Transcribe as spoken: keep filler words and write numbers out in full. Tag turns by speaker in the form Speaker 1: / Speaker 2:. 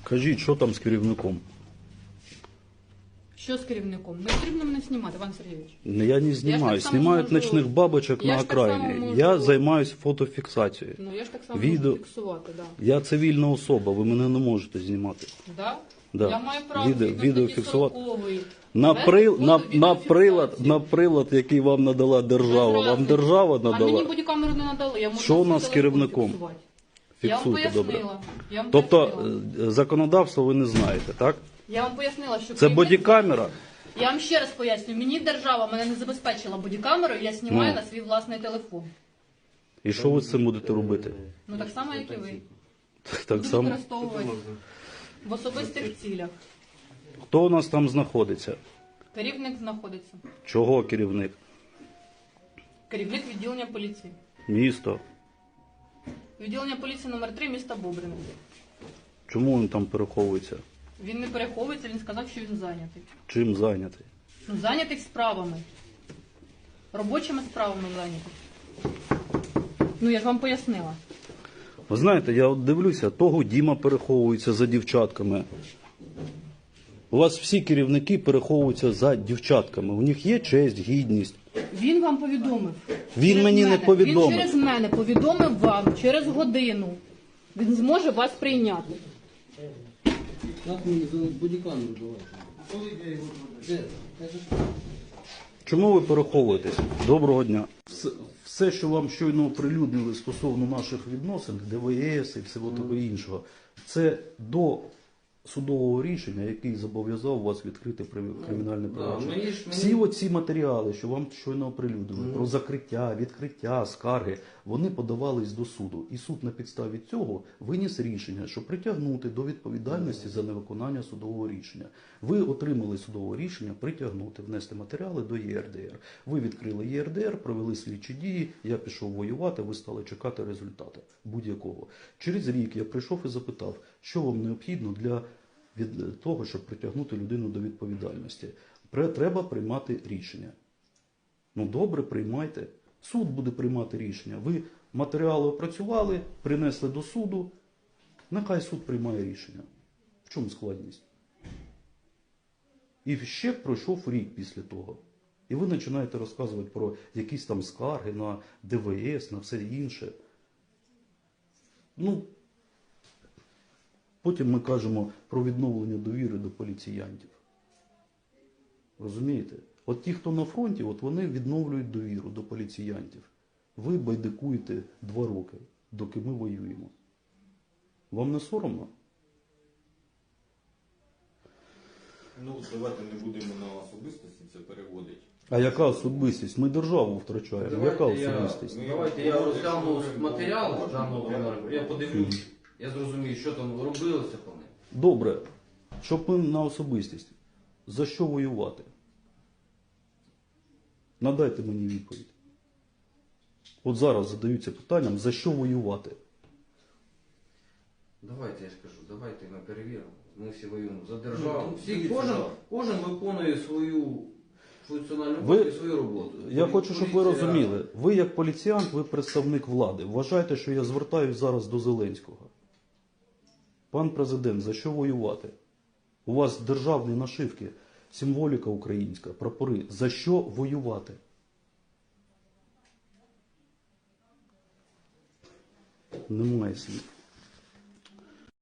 Speaker 1: Кажіть, що там з керівником?
Speaker 2: Що з керівником? Не потрібно мене знімати, Іван Сергійович.
Speaker 1: Я не знімаю.
Speaker 2: так само
Speaker 1: Знімають
Speaker 2: можу-
Speaker 1: ночних бабочок
Speaker 2: Я
Speaker 1: на
Speaker 2: ж так само
Speaker 1: окраїні.
Speaker 2: можу-
Speaker 1: Я займаюся фотофіксацією.
Speaker 2: Ну я ж так само
Speaker 1: Відео-
Speaker 2: можу фіксувати, да.
Speaker 1: Я цивільна особа, ви мене не можете знімати.
Speaker 2: Да?
Speaker 1: Да.
Speaker 2: Я маю право
Speaker 1: Відео-
Speaker 2: згідно
Speaker 1: відео
Speaker 2: статті
Speaker 1: фіксувати.
Speaker 2: сорокової.
Speaker 1: На,
Speaker 2: Вести
Speaker 1: при,
Speaker 2: фото,
Speaker 1: на,
Speaker 2: відео
Speaker 1: на, прилад,
Speaker 2: фіксації.
Speaker 1: на прилад, який вам надала держава.
Speaker 2: Без
Speaker 1: Вам
Speaker 2: разниці.
Speaker 1: держава
Speaker 2: А мені
Speaker 1: надала?
Speaker 2: бодікамеру не надали. Я можу
Speaker 1: Що
Speaker 2: на
Speaker 1: у
Speaker 2: свій
Speaker 1: нас з
Speaker 2: телефон
Speaker 1: керівником?
Speaker 2: фіксувати. Я вам
Speaker 1: Фіксуйте, добре.
Speaker 2: пояснила. Я вам
Speaker 1: Тобто
Speaker 2: пояснила.
Speaker 1: е, законодавство ви не знаєте, так?
Speaker 2: Я вам пояснила, що
Speaker 1: Це
Speaker 2: керівник-
Speaker 1: бодікамера?
Speaker 2: Я вам ще раз поясню. Мені держава мене не забезпечила бодікамерою, я знімаю
Speaker 1: Ну.
Speaker 2: на свій власний телефон.
Speaker 1: І що ви з цим будете робити?
Speaker 2: Ну так само, як і ви.
Speaker 1: Так
Speaker 2: Буду
Speaker 1: само.
Speaker 2: використовувати в особистих цілях.
Speaker 1: Хто у нас там знаходиться?
Speaker 2: Керівник знаходиться.
Speaker 1: Чого керівник?
Speaker 2: Керівник відділення поліції.
Speaker 1: Місто.
Speaker 2: Відділення поліції номер три міста Бобрина.
Speaker 1: Чому він там переховується?
Speaker 2: Він не переховується, він сказав, що він зайнятий.
Speaker 1: Чим зайнятий?
Speaker 2: Ну, зайнятий справами. Робочими справами зайнятий. Ну, я ж вам пояснила.
Speaker 1: Ви знаєте, я от дивлюся, того Діма переховується за дівчатками. У вас всі керівники переховуються за дівчатками. У них є честь, гідність.
Speaker 2: Він вам повідомив.
Speaker 1: Він
Speaker 2: Через
Speaker 1: мені не
Speaker 2: мене.
Speaker 1: повідомив.
Speaker 2: Він через мене повідомив вам через годину. Він зможе вас прийняти.
Speaker 3: Как мне бодикамеру давать? Де?
Speaker 1: Чому ви переховуєтесь? Доброго дня. Все, все, що вам щойно оприлюднили стосовно наших відносин, ДВС і всього того іншого, це до судового рішення, який зобов'язав вас відкрити при- кримінальне провадження.
Speaker 3: мені ж- мені-
Speaker 1: Всі оці матеріали, що вам щойно оприлюднили, про закриття, відкриття, скарги, вони подавались до суду. І суд на підставі цього виніс рішення, що притягнути до відповідальності за невиконання судового рішення. Ви отримали судове рішення притягнути, внести матеріали до Є Р Д Р. Ви відкрили Є Р Д Р, провели слідчі дії, я пішов воювати, ви стали чекати результату будь-якого. Через рік я прийшов і запитав, що вам необхідно для від того, щоб притягнути людину до відповідальності. Пре- Треба приймати рішення. Ну добре, приймайте. Суд буде приймати рішення. Ви матеріали опрацювали, принесли до суду. Нехай суд приймає рішення. В чому складність? І ще пройшов рік після того. І ви починаєте розказувати про якісь там скарги на Д В С, на все інше. Ну, потім ми кажемо про відновлення довіри до поліціянтів. Розумієте? От ті, хто на фронті, от вони відновлюють довіру до поліціянтів. Ви байдикуєте два роки, доки ми воюємо. Вам не соромно?
Speaker 4: Ну, давайте не будемо на особистості це переводити.
Speaker 1: А яка особистість? Ми державу втрачаємо. Яка
Speaker 3: Давайте я,
Speaker 1: особистість?
Speaker 3: давайте я розгляну матеріал даного номеру, я подивлюсь, я зрозумію, що там робилося по ним.
Speaker 1: Добре. Щоб ми на особистість. За що воювати? Надайте мені відповідь. От зараз задаються питанням, за що воювати?
Speaker 3: Давайте, я ж кажу, давайте ми перевіримо. Ми всі воюємо за державу.
Speaker 4: Ну,
Speaker 3: Всі,
Speaker 4: дивіться,
Speaker 3: кожен,
Speaker 4: да.
Speaker 3: кожен виконує свою функціональну
Speaker 1: Ви-
Speaker 3: роботу і свою роботу.
Speaker 1: Я хочу, щоб ви
Speaker 3: Поліція-
Speaker 1: розуміли. Ви як поліціянт, ви представник влади. Вважайте, що я звертаюсь зараз до Зеленського. Пан президент, за що воювати? У вас державні нашивки, символіка українська, прапори. За що воювати? Немає слів.